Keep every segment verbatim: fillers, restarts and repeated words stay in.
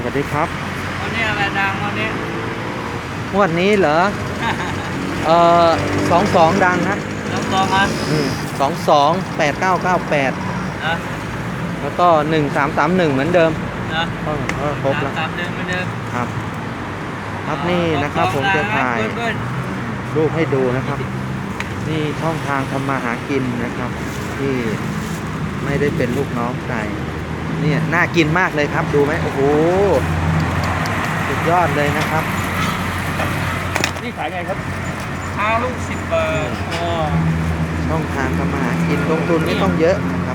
วัสดีครับวันนี้อะไรดังวันนี้งวดนี้เหรอ เอ่อสองสองดังนะน้องตองอ่ะอืมสองสองแปดเก้าเก้าแปดนะแล้วก็หนึ่งสามสามหนึ่งเหมือนเดิมนะก็ก็ครบแล้วตามเดิมเหมือนเดิมครับครับนี่นะครับผมจะถ่ายรูปให้ดูนะครับ นี่ช่องทางทำมาหากินนะครับ ที่ไม่ได้เป็นลูกน้องใครเนี่ยน่ากินมากเลยครับดูไหมโอ้โหสุดยอดเลยนะครับนี่ขายไงครับห้าลูกสิบบาทช่องทางทำมาหากินลงทุนไม่ต้องเยอะนะครับ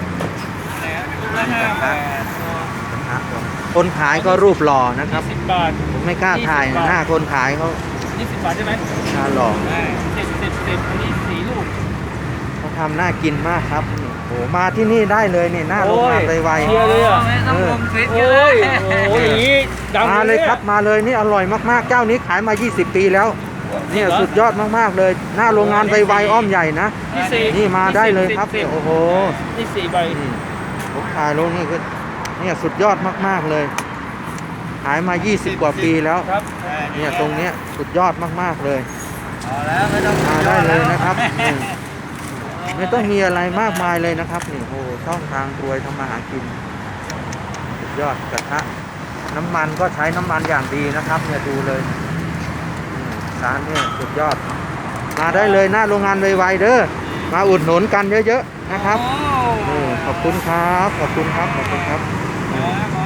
คนขายก็รูปหล่อนะครับสิบบาทผมไม่กล้าถ่ายหน้าคนขายเขานี่สิบบาทใช่ไหมหน้าหล่อสิบสิบสิบอันนี้สี่ลูกเขาทำน่ากินมากครับโอ้มาที่นี่ได้เลยเนี่ยหน้าโรงงานไวๆเชียร์เลยอ่ะต้องลงคลิปเยอะโอ้ยอย่างนี้ดังมาเลยครับมาเลยนี่อร่อยมากๆเจ้านี้ขายมายี่สิบปีแล้วเนี่ยสุดยอดมากๆเลยหน้าโรงงานไวๆอ้อมใหญ่นะนี่มาได้เลยครับโอ้โหนี่สี่ใบผมขายลงนี่ก็เนี่ยสุดยอดมากๆเลยขายมายี่สิบกว่าปีแล้วเนี่ยตรงเนี้ยสุดยอดมากๆเลยมาได้เลยนะครับไม่ต้องมีอะไรมากมายเลยนะครับนี่โอ้ช่องทางรวยทำมาหากินสุดยอดกระทะน้ำมันก็ใช้น้ำมันอย่างดีนะครับเนี่ยดูเลยร้านเนี่ยสุดยอดมาได้เลยหน้าโรงงานไวๆเด้อมาอุดหนุนกันเยอะๆนะครับขอบคุณครับขอบคุณครับขอบคุณครับ